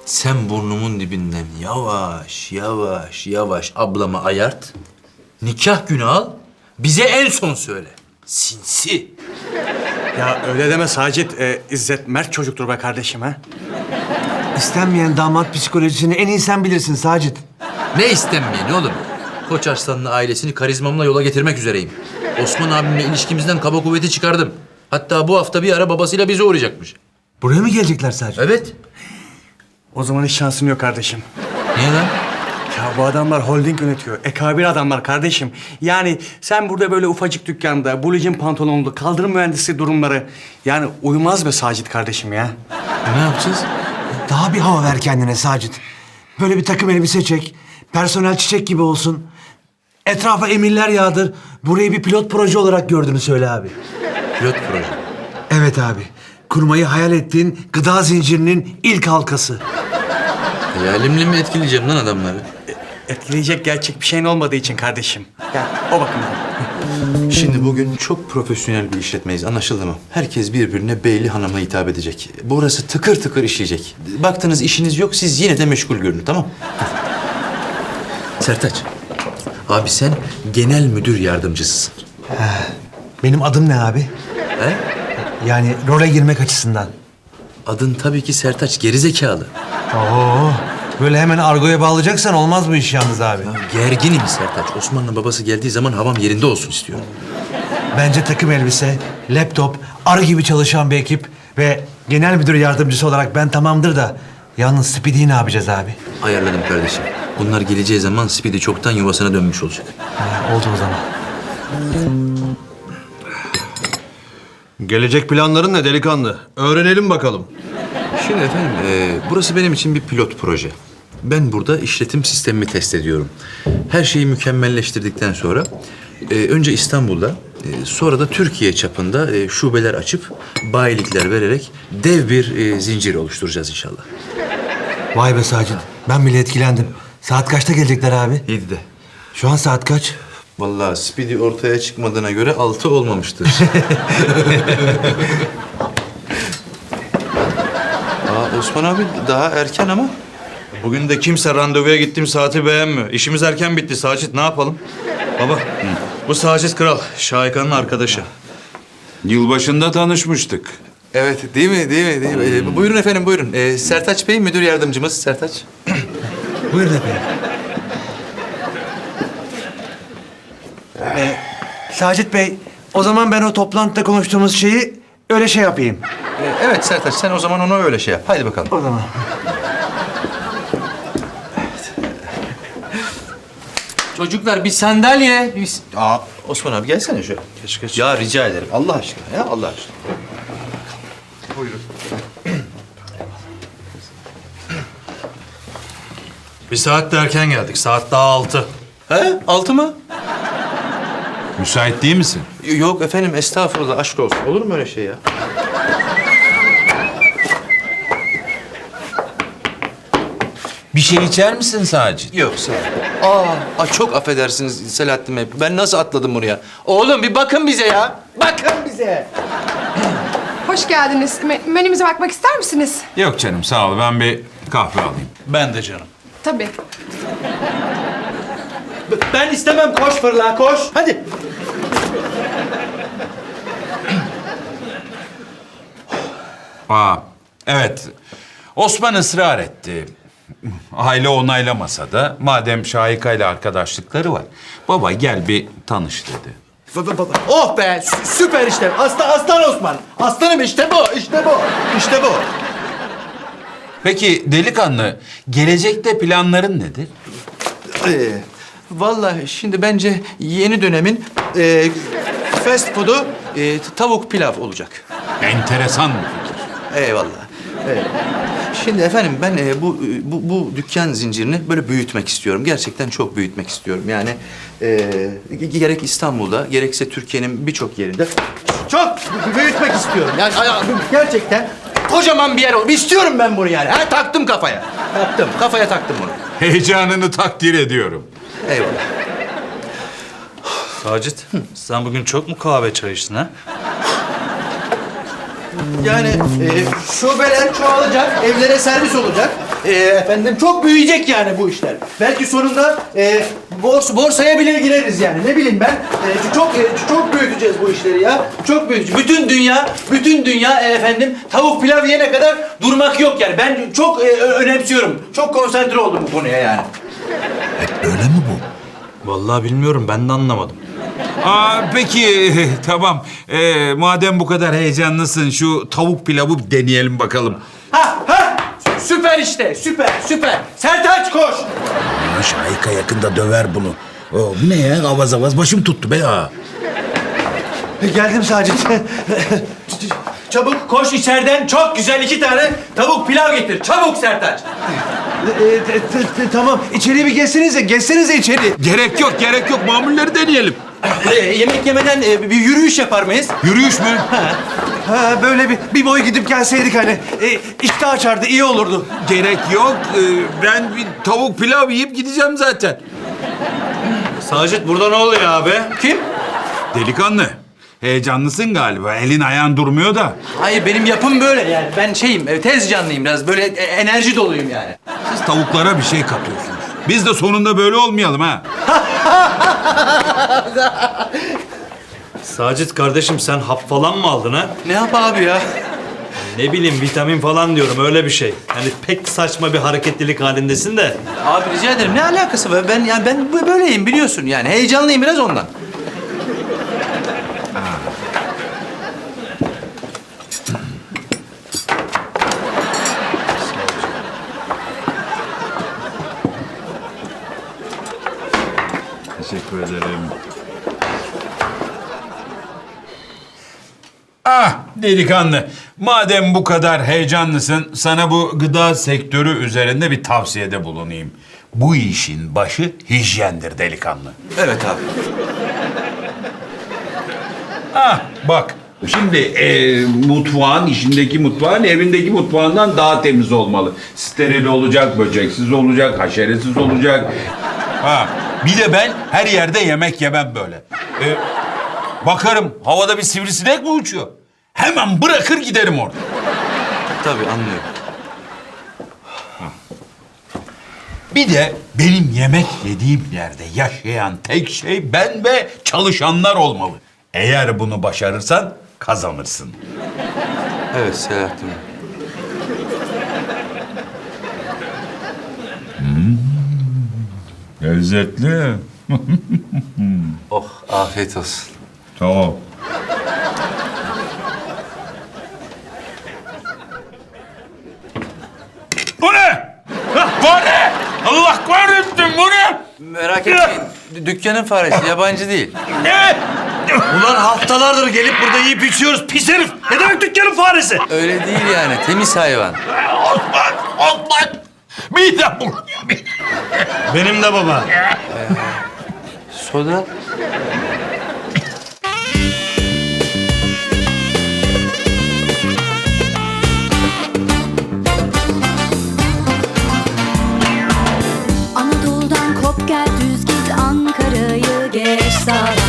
Sen burnumun dibinden yavaş yavaş yavaş ablama ayart. Nikah günü al. Bize en son söyle. Sinsi. Ya öyle deme Sacit. İzzet mert çocuktur be kardeşim ha. İstenmeyen damat psikolojisini en iyi sen bilirsin Sacit. Ne istenmeyeni oğlum? Koç Arslan'la ailesini karizmamla yola getirmek üzereyim. Osman abimle ilişkimizden kaba kuvveti çıkardım. Hatta bu hafta bir ara babasıyla bize uğrayacakmış. Buraya mı gelecekler Sacit? Evet. O zaman hiç şansın yok kardeşim. Niye lan? Ya bu adamlar holding yönetiyor. Ekabir adamlar kardeşim. Yani sen burada böyle ufacık dükkanda, bulicin pantolonlu, kaldırım mühendisi durumları... Yani uymaz be Sacit kardeşim ya. Ne yapacağız? Daha bir hava ver kendine Sacit. Böyle bir takım elbise çek. Personel çiçek gibi olsun. Etrafa emirler yağdır. Burayı bir pilot proje olarak gördüğünü söyle abi. Pilot proje. Evet abi. Kurmayı hayal ettiğin gıda zincirinin ilk halkası. Hayalimle mi etkileyeceğim lan adamları? Etkileyecek gerçek bir şeyin olmadığı için kardeşim. Ya o bakımdan. Şimdi bugün çok profesyonel bir işletmeyiz, anlaşıldı mı? Herkes birbirine beyli hanımla hitap edecek. Burası tıkır tıkır işleyecek. Baktınız işiniz yok, siz yine de meşgul görünün, tamam? Sertaç, abi sen genel müdür yardımcısısın. Benim adım ne abi? He? Yani role girmek açısından. Adın tabii ki Sertaç, gerizekalı. Oo, böyle hemen argoya bağlayacaksan olmaz bu iş yalnız abi. Gerginim Sertaç. Osman'la babası geldiği zaman havam yerinde olsun istiyorum. Bence takım elbise, laptop, arı gibi çalışan bir ekip ve genel müdür yardımcısı olarak ben tamamdır da yalnız Speedy'yi ne yapacağız abi? Ayarladım kardeşim. Bunlar geleceği zaman Speedy çoktan yuvasına dönmüş olacak. Ha, oldu o zaman. Gelecek planların ne delikanlı? Öğrenelim bakalım. Şimdi efendim, burası benim için bir pilot proje. Ben burada işletim sistemimi test ediyorum. Her şeyi mükemmelleştirdikten sonra önce İstanbul'da, sonra da Türkiye çapında şubeler açıp bayilikler vererek dev bir zincir oluşturacağız inşallah. Vay be Sacit, ben bile etkilendim. Saat kaçta gelecekler abi? 7'de. Şu an saat kaç? Vallahi Speedy ortaya çıkmadığına göre 6 olmamıştır. Osman abi daha erken ama. Bugün de kimse randevuya gittiğim saati beğenmiyor. İşimiz erken bitti Sacit, ne yapalım? Baba, bu Sacit Kral, Şahika'nın arkadaşı. Yılbaşında tanışmıştık. Evet, değil mi? Değil mi? Buyurun efendim, buyurun. Sertaç Bey, müdür yardımcımız Sertaç. Buyurun efendim. Sacit Bey, o zaman ben o toplantıda konuştuğumuz şeyi öyle şey yapayım. Evet Sertaç, sen o zaman ona öyle şey yap. Haydi bakalım. O zaman. Çocuklar bir sandalye. Osman abi gelsene şöyle. Geç. Ya rica ederim. Allah aşkına ya, Allah aşkına. Bir saat de erken geldik, saat daha 6. He? 6 mı? Müsait değil misin? Yok efendim, estağfurullah, aşk olsun. Olur mu öyle şey ya? Bir şey içer misin Sacit? Yok, sağ ol. Çok affedersiniz Selahattin Bey. Ben nasıl atladım buraya? Oğlum bir bakın bize ya. Bakın bize. Hoş geldiniz. Menümüze bakmak ister misiniz? Yok canım sağ ol, ben bir kahve alayım. Ben de canım. Tabii. Ben istemem, koş fırla, koş. Hadi. Evet, Osman ısrar etti. Aile onaylamasa da madem Şahika ile arkadaşlıkları var, baba gel bir tanış dedi. Oh be, süper işte. Aslan Osman. Aslanım işte bu, işte bu. İşte bu. Peki delikanlı, gelecekte planların nedir? Vallahi şimdi bence yeni dönemin fast food'u tavuk pilav olacak. Enteresan bir fikir. Eyvallah. Evet. Şimdi efendim ben bu dükkan zincirini böyle büyütmek istiyorum. Gerçekten çok büyütmek istiyorum. Yani gerek İstanbul'da gerekse Türkiye'nin birçok yerinde çok büyütmek istiyorum. Yani gerçekten kocaman bir yer olur. İstiyorum ben bunu yani. Ha, taktım kafaya. Kafaya taktım bunu. Heyecanını takdir ediyorum. Eyvallah. Sacit, sen bugün çok mu kahve çay içtin ha? Yani şubeler çoğalacak, evlere servis olacak. Efendim çok büyüyecek yani bu işler. Belki sonunda borsaya bile gireriz yani. Ne bileyim ben. Çok büyüteceğiz bu işleri ya. Çok büyüteceğiz. Bütün dünya efendim tavuk pilav yiyene kadar durmak yok yani. Ben çok önemsiyorum. Çok konsantre oldum bu konuya yani. Öyle mi bu? Vallahi bilmiyorum, ben de anlamadım. Peki tamam. Madem bu kadar heyecanlısın şu tavuk pilavı deneyelim bakalım. Ha! Süper işte, süper. Sertaç koş! Şahika yakında döver bunu. Bu ne ya? Avaz avaz başım tuttu be ya. Geldim Sacit. Çabuk koş içeriden çok güzel 2 tane tavuk pilav getir. Çabuk Sertaç. Tamam, içeri bir geçsenize içeri. Gerek yok. Mamulleri deneyelim. Yemek yemeden bir yürüyüş yapar mıyız? Yürüyüş mü? Ha, böyle bir boy gidip gelseydik hani. İştah açardı, iyi olurdu. Gerek yok. Ben bir tavuk pilav yiyip gideceğim zaten. Sacit, burada ne oluyor abi? Kim? Delikanlı. Heyecanlısın galiba. Elin ayağın durmuyor da. Hayır benim yapım böyle yani. Ben tez canlıyım biraz. Böyle enerji doluyum yani. Siz tavuklara bir şey katıyorsunuz. Biz de sonunda böyle olmayalım ha. Sacit kardeşim, sen hap falan mı aldın ha? Ne yap abi ya? Ne bileyim, vitamin falan diyorum, öyle bir şey. Hani pek saçma bir hareketlilik halindesin de. Abi rica ederim. Ne alakası var? Ben böyleyim biliyorsun yani. Heyecanlıyım biraz ondan. Teşekkür ederim. Delikanlı. Madem bu kadar heyecanlısın, sana bu gıda sektörü üzerinde bir tavsiyede bulunayım. Bu işin başı hijyendir delikanlı. Evet abi. Bak. Şimdi mutfağın evindeki mutfağından daha temiz olmalı. Steril olacak, böceksiz olacak, haşeresiz olacak. Bir de ben her yerde yemek yemem böyle. Bakarım havada bir sivrisinek mi uçuyor? Hemen bırakır giderim orada. Tabii anlıyorum. Bir de benim yemek yediğim yerde yaşayan tek şey ben ve çalışanlar olmalı. Eğer bunu başarırsan kazanırsın. Evet Selahattin. Lezzetli. Oh afiyet olsun. Tamam. Bu ne? Bu ne? Allah kahretsin bu ne? Merak etmeyin. Dükkanın faresi yabancı değil. Ne? Ulan haftalardır gelip burada yiyip içiyoruz, pis herif. Ne demek dükkanın faresi? Öyle değil yani. Temiz hayvan. Osman! Midem bulanıyor benim. Benim de baba. Soda. Anadolu'dan kop gel düz git Ankara'yı geç sağdan